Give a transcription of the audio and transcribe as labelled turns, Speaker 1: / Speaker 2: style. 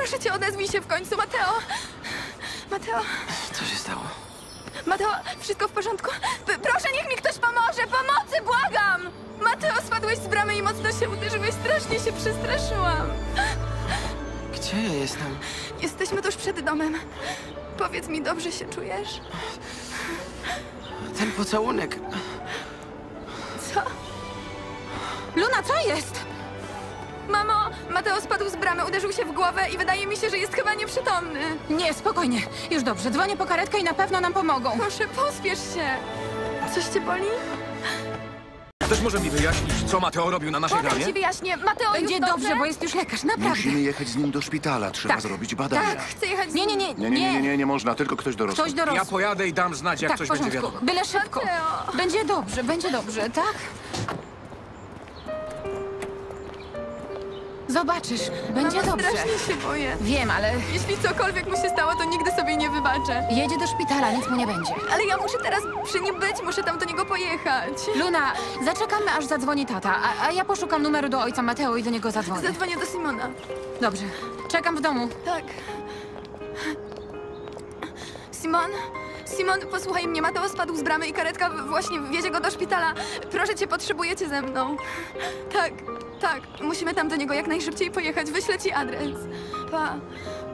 Speaker 1: Proszę cię, odezwij się w końcu, Mateo! Mateo!
Speaker 2: Co się stało?
Speaker 1: Mateo, wszystko w porządku? Proszę, niech mi ktoś pomoże! Pomocy, błagam! Mateo, spadłeś z bramy i mocno się uderzyłeś. Strasznie się przestraszyłam.
Speaker 2: Gdzie ja jestem?
Speaker 1: Jesteśmy tuż przed domem. Powiedz mi, dobrze się czujesz?
Speaker 2: Ten pocałunek.
Speaker 1: Co?
Speaker 3: Luna, co jest?
Speaker 1: Mamo, Mateo spadł z bramy, uderzył się w głowę i wydaje mi się, że jest chyba nieprzytomny.
Speaker 3: Nie, spokojnie. Już dobrze, dzwonię po karetkę i na pewno nam pomogą.
Speaker 1: Proszę, pospiesz się. Coś cię boli?
Speaker 4: Ktoś może mi wyjaśnić, co Mateo robił na naszej
Speaker 1: Potem
Speaker 4: bramie?
Speaker 1: ci wyjaśnię. Mateo,
Speaker 3: Będzie
Speaker 1: już
Speaker 3: dobrze, bo jest już lekarz, naprawdę.
Speaker 5: Musimy jechać z nim do szpitala. Trzeba
Speaker 3: Tak.
Speaker 5: zrobić badania.
Speaker 1: Tak, chcę jechać z
Speaker 3: Nie,
Speaker 1: nim.
Speaker 3: nie, nie, nie.
Speaker 5: Nie można. Tylko ktoś dorosły.
Speaker 3: Ktoś dorosły.
Speaker 4: Ja pojadę i dam znać, jak
Speaker 3: Tak, w
Speaker 4: coś będzie
Speaker 3: porządku.
Speaker 4: wiadomo.
Speaker 3: Byle szybko.
Speaker 1: Mateo.
Speaker 3: Będzie dobrze, tak? Zobaczysz, będzie
Speaker 1: Mamo,
Speaker 3: dobrze.
Speaker 1: strasznie się boję.
Speaker 3: Wiem, ale
Speaker 1: Jeśli cokolwiek mu się stało, to nigdy sobie nie wybaczę.
Speaker 3: jedzie do szpitala, nic mu nie będzie.
Speaker 1: Ale ja muszę teraz przy nim być, muszę tam do niego pojechać.
Speaker 3: Luna, zaczekamy, aż zadzwoni tata, a ja poszukam numeru do ojca Mateo i do niego zadzwonię.
Speaker 1: Zadzwonię do Simona.
Speaker 3: Dobrze, czekam w domu.
Speaker 1: Tak. Simon? Simon, posłuchaj mnie, Mateo spadł z bramy i karetka właśnie wiezie go do szpitala. Proszę cię, potrzebujecie ze mną. Tak, musimy tam do niego jak najszybciej pojechać. Wyślę ci adres. Pa.